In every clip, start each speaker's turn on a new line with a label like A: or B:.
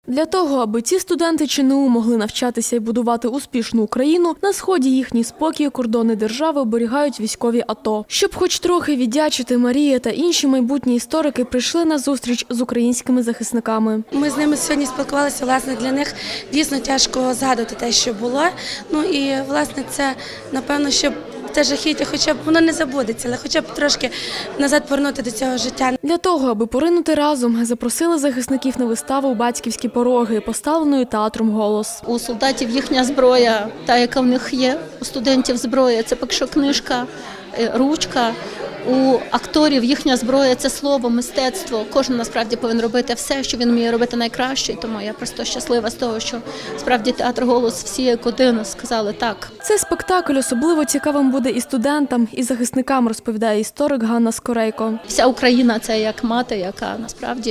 A: Для того, аби ці студенти ЧНУ могли навчатися і будувати успішну Україну, на сході їхній спокій і кордони держави оберігають військові АТО. Щоб хоч трохи віддячити, Марія та інші майбутні історики прийшли на зустріч з українськими захисниками.
B: Ми з ними сьогодні спілкувалися, власне, для них дійсно тяжко згадувати те, що було. Ну і, власне, це, напевно, щоб те жахіття, хоча б воно не забудеться, але хоча б трошки назад повернути до цього життя.
A: Для того, аби поринути разом, запросили захисників на виставу «Батьківські пороги», поставленою театром «Голос».
C: У солдатів їхня зброя, та, яка в них є, у студентів зброя – це поки що книжка, ручка. У акторів їхня зброя – це слово, мистецтво. Кожен насправді повинен робити все, що він вміє робити найкраще. Тому я просто щаслива з того, що справді театр «Голос» всі як один сказали «так».
A: Цей спектакль особливо цікавим буде і студентам, і захисникам, розповідає історик Ганна Скорейко.
C: Вся Україна – це як мати, яка насправді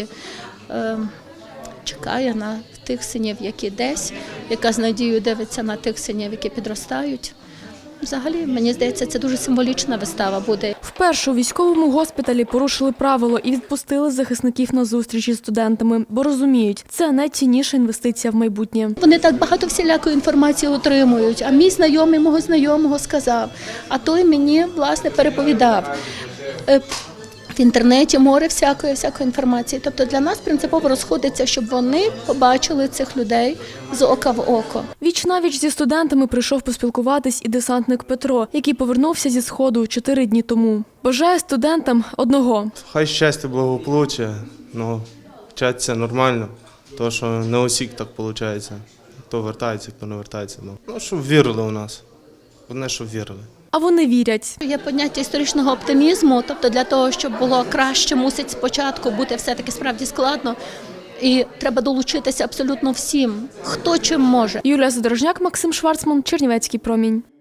C: чекає на тих синів, які десь, яка з надією дивиться на тих синів, які підростають. Взагалі, мені здається, це дуже символічна вистава буде.
A: Вперше у військовому госпіталі порушили правило і відпустили захисників на зустрічі з студентами, бо розуміють, це найцінніша інвестиція в майбутнє.
C: Вони так багато всілякої інформації отримують, а мій знайомий мого знайомого сказав, а той мені, власне, переповідав. В інтернеті море всякої інформації. Тобто для нас принципово розходиться, щоб вони побачили цих людей з ока в око.
A: Віч-навіч зі студентами прийшов поспілкуватись і десантник Петро, який повернувся зі Сходу 4 дні тому. Бажає студентам одного.
D: Хай щастя, благополуччя, вчаться нормально, тому що не усіх так виходить. Хто вертається, хто не вертається. Щоб вірили у нас, головне, щоб вірили.
A: А вони вірять.
C: Є поняття історичного оптимізму, тобто для того, щоб було краще, мусить спочатку бути все-таки справді складно. І треба долучитися абсолютно всім, хто чим може.
A: Юлія Задорожняк, Максим Шварцман, Чернівецький промінь.